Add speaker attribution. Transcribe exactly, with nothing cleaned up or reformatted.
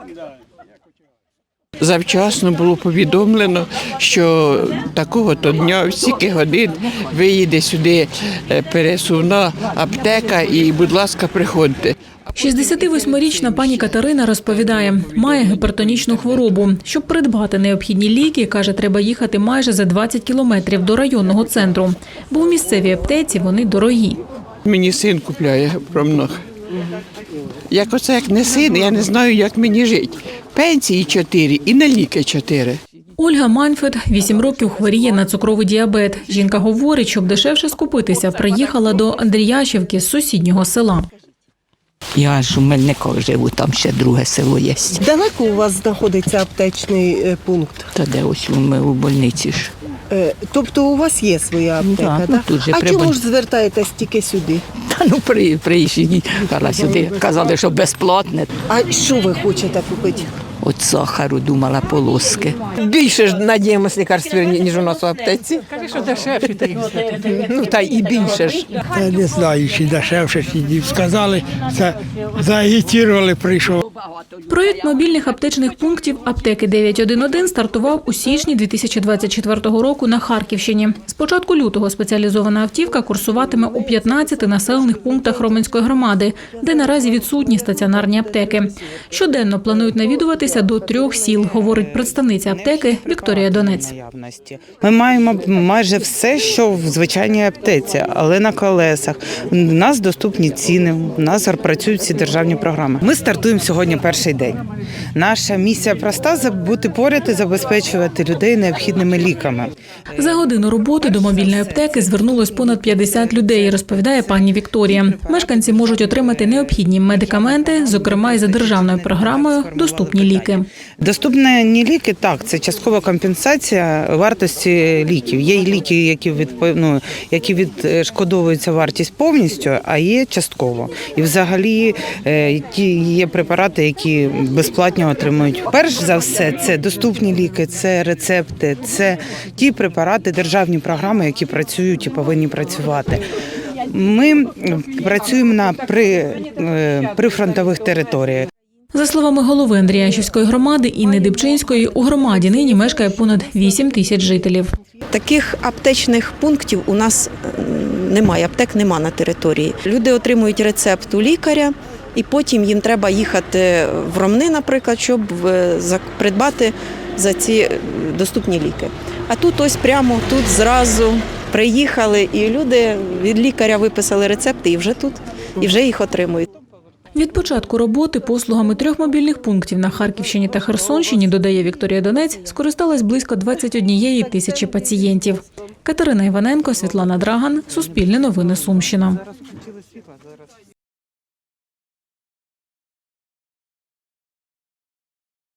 Speaker 1: Завчасно було повідомлено, що такого-то дня, в стільки годин виїде сюди пересувна аптека і, будь ласка, приходьте.
Speaker 2: шістдесятивосьмирічна пані Катерина розповідає, має гіпертонічну хворобу. Щоб придбати необхідні ліки, каже, треба їхати майже за двадцять кілометрів до районного центру, бо у місцевій аптеці вони дорогі.
Speaker 1: Мені син купляє промног. Як оце, як не син, я не знаю, як мені жити. Пенсії чотири і на ліки чотири.
Speaker 2: Ольга Маньфет вісім років хворіє на цукровий діабет. Жінка говорить, щоб дешевше скупитися, приїхала до Андріяшівки з сусіднього села.
Speaker 3: Я ж у Мельникові живу, там ще друге село є.
Speaker 4: Далеко у вас знаходиться аптечний е, пункт?
Speaker 3: Та де ось ми у больниці ж.
Speaker 4: Е, Тобто у вас є своя аптека,
Speaker 3: Да,
Speaker 4: так?
Speaker 3: ну, тут же
Speaker 4: А
Speaker 3: при
Speaker 4: чому
Speaker 3: боль-
Speaker 4: ж звертаєтесь тільки сюди?
Speaker 3: Та ну при, приїжджі, казала сюди, казали, що безплатне.
Speaker 4: А що ви хочете купити?
Speaker 3: От сахару думала полоски.
Speaker 5: Більше ж надіємось лікарств, ніж у нас у аптеці. Каже, що дешевше, та й ну та і більше ж.
Speaker 6: Я не знаю, чи дешевше, чи ні. Сказали, це заагітували, прийшов.
Speaker 2: Проєкт мобільних аптечних пунктів аптеки дев'ять один один стартував у січні дві тисячі двадцять четвертого року на Харківщині. З початку лютого спеціалізована автівка курсуватиме у п'ятнадцяти населених пунктах Роменської громади, де наразі відсутні стаціонарні аптеки. Щоденно планують навідуватися до трьох сіл, говорить представниця аптеки Вікторія Донець.
Speaker 7: Ми маємо майже все, що в звичайній аптеці, але на колесах. У нас доступні ціни, у нас працюють всі державні програми. Ми стартуємо сьогодні перший день. Наша місія проста – бути поряд і забезпечувати людей необхідними ліками.
Speaker 2: За годину роботи до мобільної аптеки звернулось понад п'ятдесят людей, розповідає пані Вікторія. Мешканці можуть отримати необхідні медикаменти, зокрема і за державною програмою «Доступні ліки».
Speaker 7: Доступні ліки – так, це часткова компенсація вартості ліків. Є ліки, які, відп... ну, які відшкодовуються вартість повністю, а є частково. І взагалі ті є препарати, які безплатно отримують. Перш за все, це доступні ліки, це рецепти, це ті препарати, державні програми, які працюють і повинні працювати. Ми працюємо на при, прифронтових територіях.
Speaker 2: За словами голови Андріяшівської громади Інни Дибчинської, у громаді нині мешкає понад вісім тисяч жителів.
Speaker 8: Таких аптечних пунктів у нас немає, аптек немає на території. Люди отримують рецепт у лікаря, і потім їм треба їхати в Ромни, наприклад, щоб придбати за ці доступні ліки. А тут ось прямо тут зразу приїхали, і люди від лікаря виписали рецепти і вже тут, і вже їх отримують.
Speaker 2: Від початку роботи послугами трьох мобільних пунктів на Харківщині та Херсонщині, додає Вікторія Донець, скористалось близько двадцять однієї тисячі пацієнтів. Катерина Іваненко, Світлана Драган, Суспільне новини, Сумщина.